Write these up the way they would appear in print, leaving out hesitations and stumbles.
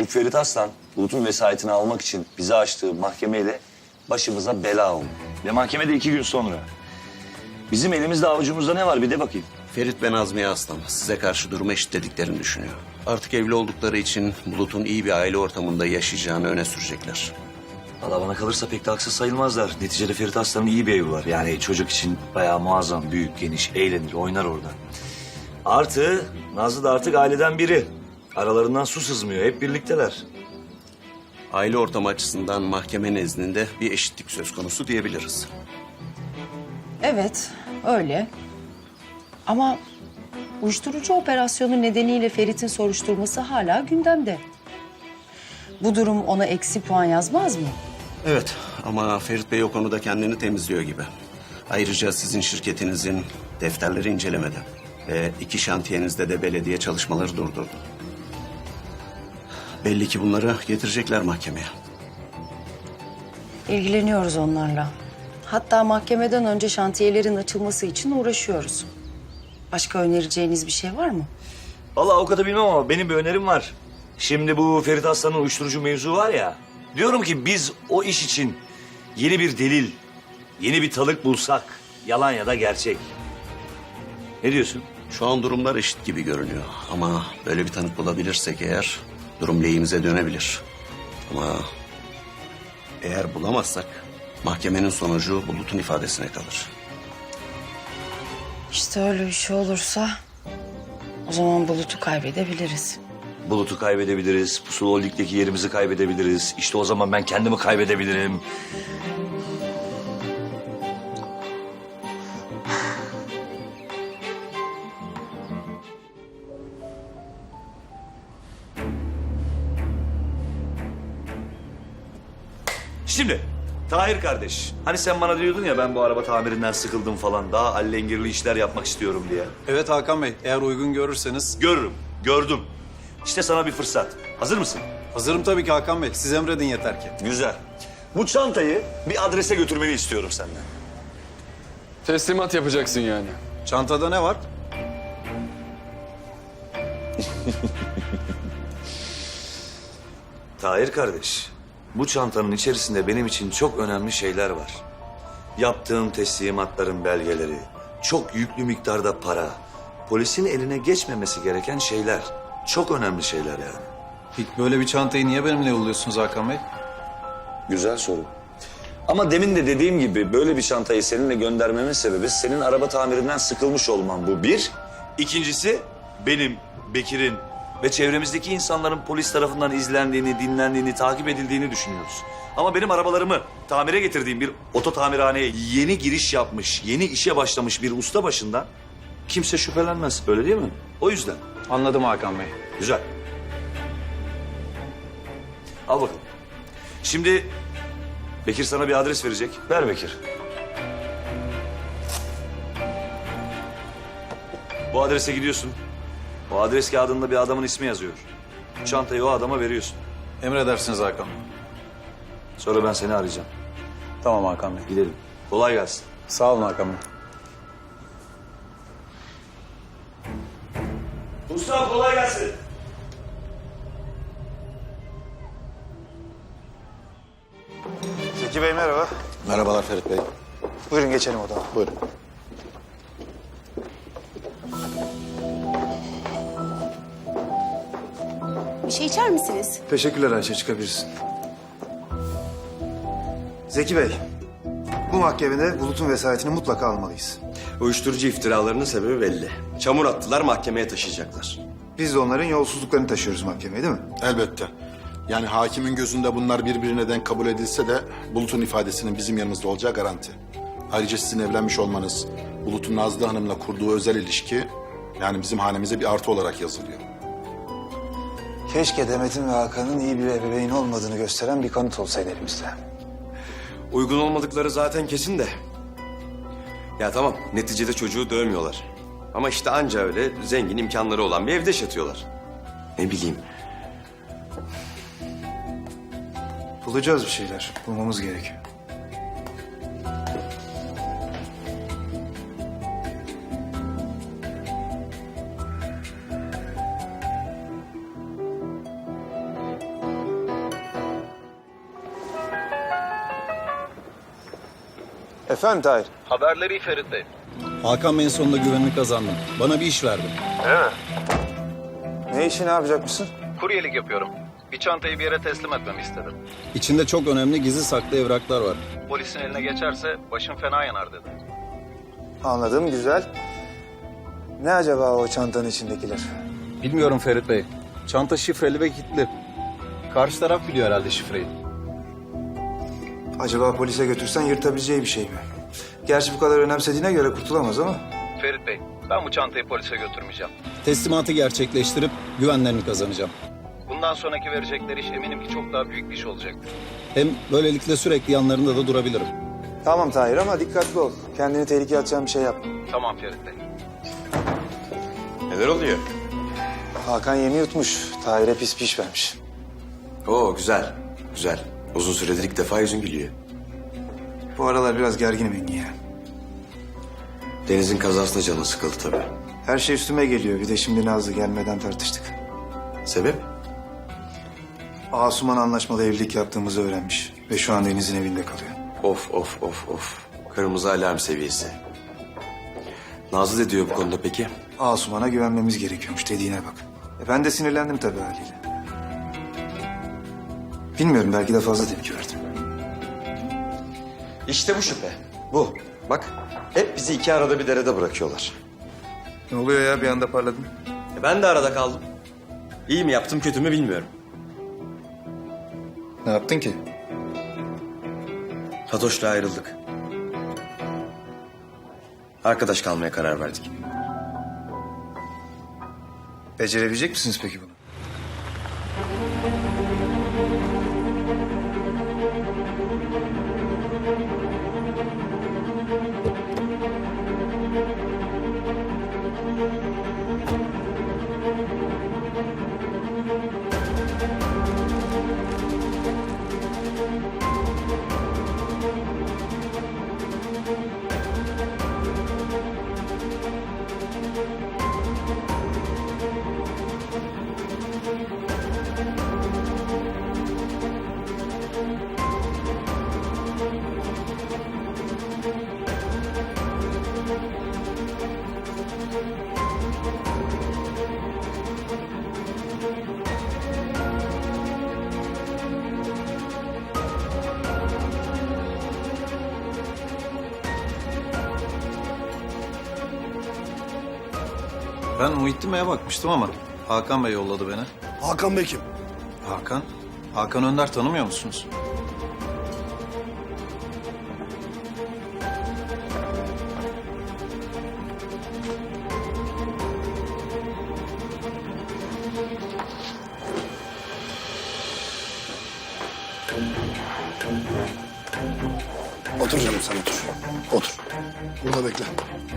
Bu Ferit Aslan, Bulut'un vesayetini almak için bize açtığı mahkemeyle başımıza bela oldu. Ve mahkemede 2 gün sonra. Bizim elimizde avucumuzda ne var bir de bakayım. Ferit ve Nazmiye Aslan size karşı durumu eşitlediklerini düşünüyor. Artık evli oldukları için Bulut'un iyi bir aile ortamında yaşayacağını öne sürecekler. Valla bana kalırsa pek de haksız sayılmazlar. Neticede Ferit Aslan'ın iyi bir evi var. Yani çocuk için bayağı muazzam, büyük, geniş, eğlenir, oynar orada. Artı Nazlı da artık aileden biri. Aralarından su sızmıyor, hep birlikteler. Aile ortamı açısından mahkeme nezdinde bir eşitlik söz konusu diyebiliriz. Evet, öyle. Ama uyuşturucu operasyonu nedeniyle Ferit'in soruşturması hala gündemde. Bu durum ona eksi puan yazmaz mı? Evet ama Ferit Bey o konuda kendini temizliyor gibi. Ayrıca sizin şirketinizin defterleri incelemedi. Ve 2 şantiyenizde de belediye çalışmaları durdurdu. Belli ki bunları getirecekler mahkemeye. İlgileniyoruz onlarla. Hatta mahkemeden önce şantiyelerin açılması için uğraşıyoruz. Başka önereceğiniz bir şey var mı? Valla o kadar bilmem ama benim bir önerim var. Şimdi bu Ferit Aslan'ın uyuşturucu mevzu var ya. Diyorum ki biz o iş için yeni bir delil, yeni bir tanık bulsak. Yalan ya da gerçek. Ne diyorsun? Şu an durumlar eşit gibi görünüyor. Ama böyle bir tanık bulabilirsek eğer durum lehimize dönebilir. Ama eğer bulamazsak mahkemenin sonucu Bulut'un ifadesine kalır. İşte öyle bir şey olursa o zaman Bulut'u kaybedebiliriz. Bulut'u kaybedebiliriz, Pusula Holding'deki yerimizi kaybedebiliriz. İşte o zaman ben kendimi kaybedebilirim. Şimdi Tahir kardeş, hani sen bana diyordun ya ben bu araba tamirinden sıkıldım falan, daha allengirli işler yapmak istiyorum diye. Evet Hakan Bey, eğer uygun görürseniz... Görürüm, gördüm. İşte sana bir fırsat. Hazır mısın? Hazırım tabii ki Hakan Bey, siz emredin yeter ki. Güzel. Bu çantayı bir adrese götürmeni istiyorum senden. Teslimat yapacaksın yani. Çantada ne var? Tahir kardeş, bu çantanın içerisinde benim için çok önemli şeyler var. Yaptığım teslimatların belgeleri, çok yüklü miktarda para, polisin eline geçmemesi gereken şeyler. Çok önemli şeyler yani. Peki böyle bir çantayı niye benimle yolluyorsunuz Hakan Bey? Güzel soru. Ama demin de dediğim gibi böyle bir çantayı seninle göndermemin sebebi senin araba tamirinden sıkılmış olman, bu bir. İkincisi benim, Bekir'in ve çevremizdeki insanların polis tarafından izlendiğini, dinlendiğini, takip edildiğini düşünüyoruz. Ama benim arabalarımı tamire getirdiğim bir oto tamirhaneye yeni giriş yapmış, yeni işe başlamış bir usta başından kimse şüphelenmez. Öyle değil mi? O yüzden. Anladım Hakan Bey. Güzel. Al bakalım. Şimdi Bekir sana bir adres verecek. Ver Bekir. Bu adrese gidiyorsun. O adres kağıdında bir adamın ismi yazıyor. Çantayı o adama veriyorsun. Emredersiniz Hakan Bey. Sonra ben seni arayacağım. Tamam Hakan Bey. Gidelim. Kolay gelsin. Sağ olun Hakan Bey. Mustafa kolay gelsin. Zeki Bey merhaba. Merhabalar Ferit Bey. Buyurun geçelim odama. Buyurun. Bir şey içer misiniz? Teşekkürler Ayşe, çıkabilirsin. Zeki Bey, bu mahkemede Bulut'un vesayetini mutlaka almalıyız. Uyuşturucu iftiralarının sebebi belli. Çamur attılar, mahkemeye taşıyacaklar. Biz de onların yolsuzluklarını taşıyoruz mahkemeye, değil mi? Elbette. Yani hakimin gözünde bunlar birbirine denk kabul edilse de Bulut'un ifadesinin bizim yanımızda olacağı garanti. Ayrıca sizin evlenmiş olmanız, Bulut'un Nazlı Hanım'la kurduğu özel ilişki yani bizim hanemize bir artı olarak yazılıyor. Keşke Demet'in ve Hakan'ın iyi bir ebeveyn olmadığını gösteren bir kanıt olsaydı elimizde. Uygun olmadıkları zaten kesin de. Ya tamam, neticede çocuğu dövmüyorlar. Ama işte anca öyle zengin imkanları olan bir evde yaşatıyorlar. Ne bileyim. Bulacağız bir şeyler, bulmamız gerekiyor. Efendim Tahir? Haberleri iyi Ferit Bey. Hakan Bey'in sonunda güvenini kazandım. Bana bir iş verdi. Ne işi ne yapacakmışsın? Kuryelik yapıyorum. Bir çantayı bir yere teslim etmemi istedim. İçinde çok önemli gizli saklı evraklar var. Polisin eline geçerse başım fena yanar dedi. Anladım, güzel. Ne acaba o çantanın içindekiler? Bilmiyorum Ferit Bey. Çanta şifreli ve kilitli. Karşı taraf biliyor herhalde şifreyi. Acaba polise götürsen yırtabileceği bir şey mi? Gerçi bu kadar önemsediğine göre kurtulamaz ama. Ferit Bey, ben bu çantayı polise götürmeyeceğim. Teslimatı gerçekleştirip güvenlerini kazanacağım. Bundan sonraki verecekleri iş eminim ki çok daha büyük bir iş olacaktır. Hem böylelikle sürekli yanlarında da durabilirim. Tamam Tahir ama dikkatli ol. Kendini tehlikeye atacağın bir şey yapma. Tamam Ferit Bey. Neler oluyor? Hakan yemi yutmuş. Tahir'e pis piş vermiş. Oo güzel, güzel. Uzun süredir ilk defa yüzün gülüyor. Bu aralar biraz gerginim Engin ya. Deniz'in kazasına canı sıkıldı tabii. Her şey üstüme geliyor. Bir de şimdi Nazlı gelmeden tartıştık. Sebep? Asuman anlaşmalı evlilik yaptığımızı öğrenmiş. Ve şu an Deniz'in evinde kalıyor. Of. Kırmızı alarm seviyesi. Nazlı ne diyor bu konuda peki? Asuman'a güvenmemiz gerekiyormuş dediğine bak. Ben de sinirlendim tabii haliyle. Bilmiyorum, belki de fazla tepki verdim. İşte bu şüphe. Bu. Bak hep bizi iki arada bir derede bırakıyorlar. Ne oluyor ya, bir anda parladın? Ben de arada kaldım. İyi mi yaptım kötü mü bilmiyorum. Ne yaptın ki? Fatoş'la ayrıldık. Arkadaş kalmaya karar verdik. Becerebilecek misiniz peki bunu? Ben Muhittin Bey'e bakmıştım ama Hakan Bey yolladı beni. Hakan Bey kim? Hakan? Hakan Önder tanımıyor musunuz? Otur canım sen otur. Otur. Burada bekle.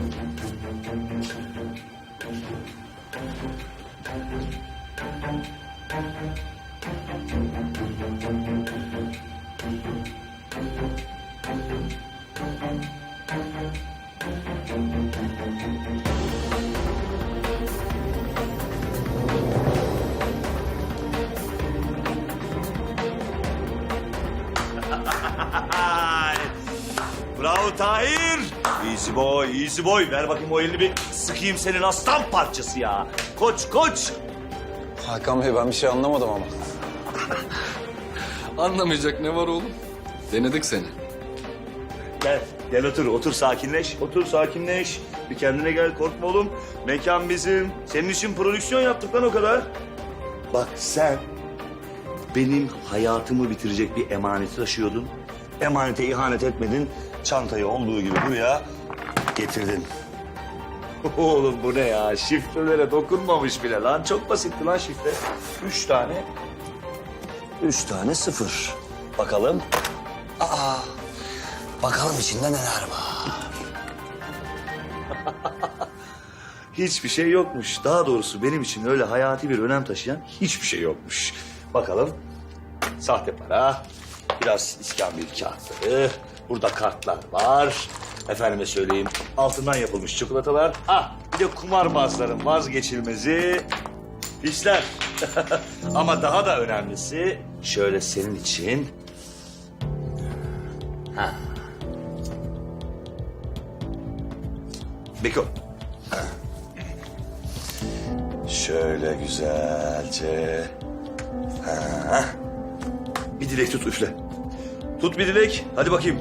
Bravo Tahir. Easy boy, easy boy. Ver bakayım o elini bir sıkayım senin aslan parçası ya. Koç. Hakan Bey ben bir şey anlamadım ama. Anlamayacak ne var oğlum? Denedik seni. Gel otur sakinleş. Bir kendine gel, korkma oğlum. Mekan bizim. Senin için prodüksiyon yaptık lan o kadar. Bak sen benim hayatımı bitirecek bir emaneti taşıyordun. Emanete ihanet etmedin. Çantayı olduğu gibi buraya getirdin. Oğlum bu ne ya? Şifrelere dokunmamış bile lan. Çok basitti lan şifre. 3 tane 0. Bakalım. Bakalım içinde neler var. Hiçbir şey yokmuş. Daha doğrusu benim için öyle hayati bir önem taşıyan hiçbir şey yokmuş. Bakalım. Sahte para, biraz iskambil kağıtları, burada kartlar var. Efendime söyleyeyim, altından yapılmış çikolatalar. Bir de kumarbazların vazgeçilmezi fişler. Ama daha da önemlisi şöyle senin için... Beko. Şöyle güzelce. Ha. Bir dilek tut, üfle. Tut bir dilek. Hadi bakayım.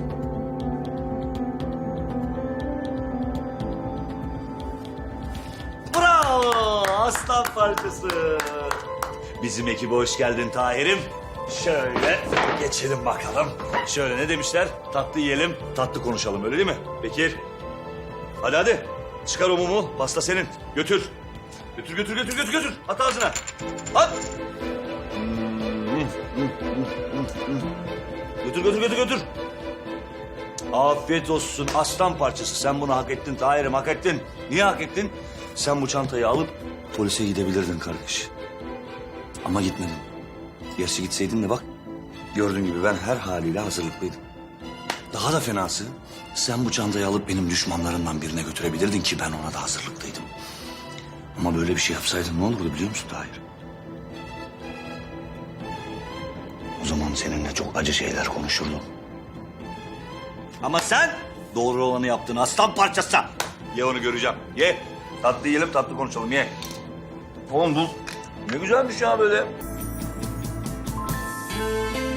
Bravo! Aslan parçası. Bizim ekibe hoş geldin Tahir'im. Şöyle geçelim bakalım. Şöyle ne demişler? Tatlı yiyelim, tatlı konuşalım, öyle değil mi? Bekir. Hadi hadi. Çıkar o mumu. Pasta senin. Götür. Götür. At ağzına. At. Götür. Afiyet olsun aslan parçası. Sen bunu hak ettin Tahir'im, hak ettin. Niye hak ettin? Sen bu çantayı alıp polise gidebilirdin kardeş. Ama gitmedin. Gerçi gitseydin de bak, gördüğün gibi ben her haliyle hazırlıklıydım. Daha da fenası, sen bu çantayı alıp benim düşmanlarımdan birine götürebilirdin ki ben ona da hazırlıklıydım. Ama böyle bir şey yapsaydın ne olurdu biliyor musun Tahir? O zaman seninle çok acı şeyler konuşurdum. Ama sen doğru olanı yaptın aslan parçası. Ye onu göreceğim. Ye. Tatlı yiyelim, tatlı konuşalım. Ye. Oğlum bu ne güzelmiş ya böyle.